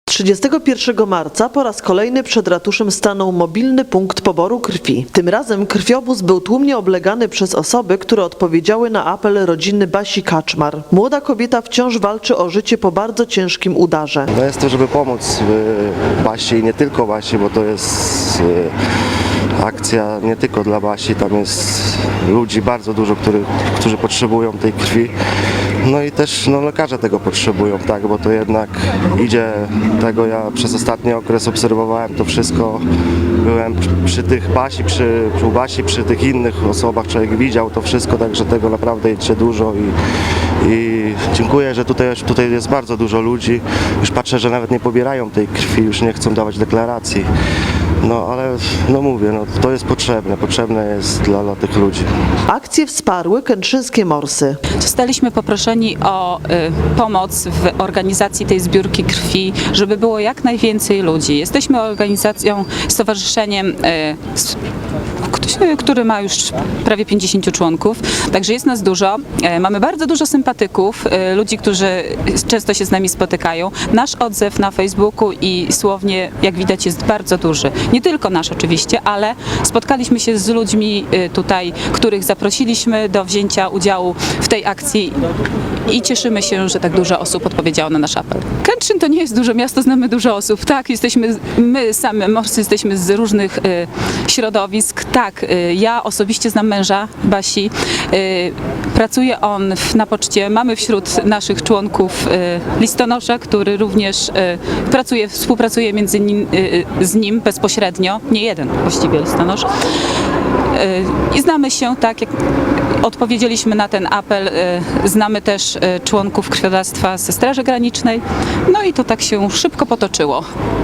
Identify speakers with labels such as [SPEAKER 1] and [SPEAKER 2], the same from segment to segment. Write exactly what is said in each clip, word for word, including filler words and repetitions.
[SPEAKER 1] trzydziestego pierwszego marca po raz kolejny przed ratuszem stanął mobilny punkt poboru krwi. Tym razem krwiobóz był tłumnie oblegany przez osoby, które odpowiedziały na apel rodziny Basi Kaczmar. Młoda kobieta wciąż walczy o życie po bardzo ciężkim udarze.
[SPEAKER 2] No jest to, żeby pomóc Basi i nie tylko Basi, bo to jest akcja nie tylko dla Basi, tam jest ludzi bardzo dużo, którzy, którzy potrzebują tej krwi. No i też no, lekarze tego potrzebują, tak, bo to jednak idzie tego, ja przez ostatni okres obserwowałem to wszystko, byłem przy tych Basi, przy, przy Basi, przy tych innych osobach, człowiek widział to wszystko, także tego naprawdę idzie dużo i, i dziękuję, że tutaj, tutaj jest bardzo dużo ludzi, już patrzę, że nawet nie pobierają tej krwi, już nie chcą dawać deklaracji. No ale no mówię, no, to jest potrzebne, potrzebne jest dla, dla tych ludzi.
[SPEAKER 1] Akcję wsparły kętrzyńskie morsy.
[SPEAKER 3] Zostaliśmy poproszeni o y, pomoc w organizacji tej zbiórki krwi, żeby było jak najwięcej ludzi. Jesteśmy organizacją, stowarzyszeniem, y, s- który ma już prawie pięćdziesięciu członków, także jest nas dużo. E, Mamy bardzo dużo sympatyków, e, ludzi, którzy często się z nami spotykają. Nasz odzew na Facebooku i słownie, jak widać, jest bardzo duży. Nie tylko nasz oczywiście, ale spotkaliśmy się z ludźmi e, tutaj, których zaprosiliśmy do wzięcia udziału w tej akcji i cieszymy się, że tak dużo osób odpowiedziało na nasz apel. Kętrzyn to nie jest duże miasto, znamy dużo osób. Tak, jesteśmy, my same morscy jesteśmy z różnych e, środowisk. Tak, y, ja osobiście znam męża Basi. Y, Pracuje on w, na poczcie. Mamy wśród naszych członków y, listonosza, który również y, pracuje, współpracuje między nim, y, z nim bezpośrednio. Nie jeden właściwie listonosz. Y, I znamy się, tak jak odpowiedzieliśmy na ten apel, y, znamy też y, członków krwiodawstwa ze Straży Granicznej. No i to tak się szybko potoczyło.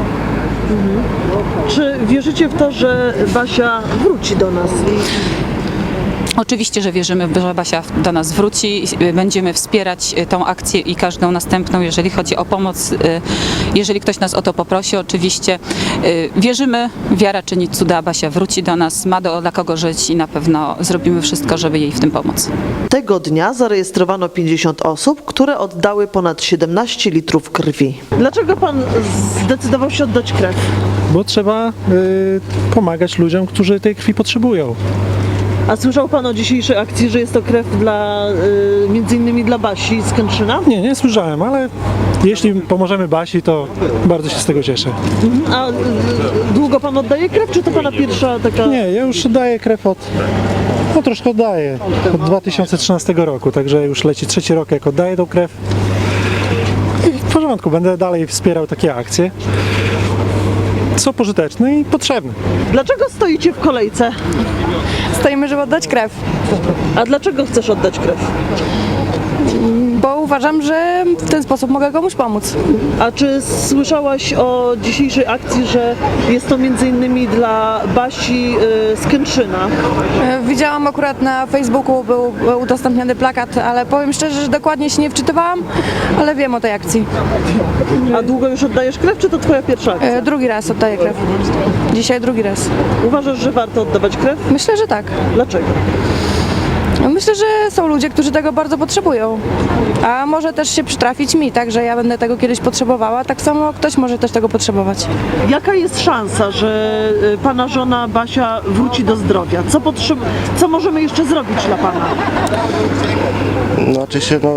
[SPEAKER 1] Czy wierzycie w to, że Basia wróci do nas?
[SPEAKER 3] Oczywiście, że wierzymy, że Basia do nas wróci. Będziemy wspierać tą akcję i każdą następną, jeżeli chodzi o pomoc. Jeżeli ktoś nas o to poprosi, oczywiście wierzymy, wiara czyni cuda, Basia wróci do nas, ma do, dla kogo żyć i na pewno zrobimy wszystko, żeby jej w tym pomóc.
[SPEAKER 1] Tego dnia zarejestrowano pięćdziesiąt osób, które oddały ponad siedemnaście litrów krwi. Dlaczego pan zdecydował się oddać krew?
[SPEAKER 4] Bo trzeba y, pomagać ludziom, którzy tej krwi potrzebują.
[SPEAKER 1] A słyszał pan o dzisiejszej akcji, że jest to krew dla, y, między innymi dla Basi z Kętrzyna?
[SPEAKER 4] Nie, nie słyszałem, ale jeśli pomożemy Basi, to bardzo się z tego cieszę.
[SPEAKER 1] A y, długo pan oddaje krew, czy to pana pierwsza taka...
[SPEAKER 4] Nie, ja już daję krew od, no troszkę oddaję, od dwa tysiące trzynastego roku, także już leci trzeci rok, jak oddaję tą krew. I w porządku, będę dalej wspierał takie akcje. Są pożyteczne i potrzebne.
[SPEAKER 1] Dlaczego stoicie w kolejce?
[SPEAKER 5] Stoimy, żeby oddać krew,
[SPEAKER 1] A dlaczego chcesz oddać krew?
[SPEAKER 5] bo uważam, że w ten sposób mogę komuś pomóc.
[SPEAKER 1] A czy słyszałaś o dzisiejszej akcji, że jest to między innymi dla Basi y, z Kętrzyna?
[SPEAKER 5] E, Widziałam akurat na Facebooku, był udostępniony plakat, ale powiem szczerze, że dokładnie się nie wczytywałam, ale wiem o tej akcji.
[SPEAKER 1] A długo już oddajesz krew, czy to twoja pierwsza akcja?
[SPEAKER 5] E, Drugi raz oddaję krew. Dzisiaj drugi raz.
[SPEAKER 1] Uważasz, że warto oddawać krew?
[SPEAKER 5] Myślę, że tak.
[SPEAKER 1] Dlaczego?
[SPEAKER 5] Myślę, że są ludzie, którzy tego bardzo potrzebują. A może też się przytrafić mi, tak, że ja będę tego kiedyś potrzebowała, tak samo ktoś może też tego potrzebować.
[SPEAKER 1] Jaka jest szansa, że y, pana żona Basia wróci do zdrowia? Co, potrzeb... Co możemy jeszcze zrobić dla pana?
[SPEAKER 2] Znaczy się, no...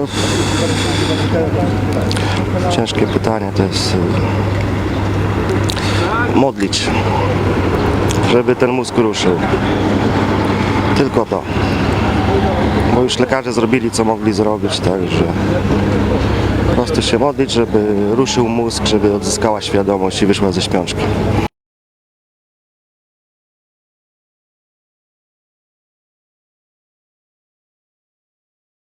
[SPEAKER 2] Ciężkie pytanie to jest... y, Modlić, żeby ten mózg ruszył. Tylko to. Bo już lekarze zrobili, co mogli zrobić, także po prostu się modlić, żeby ruszył mózg, żeby odzyskała świadomość i wyszła ze śpiączki.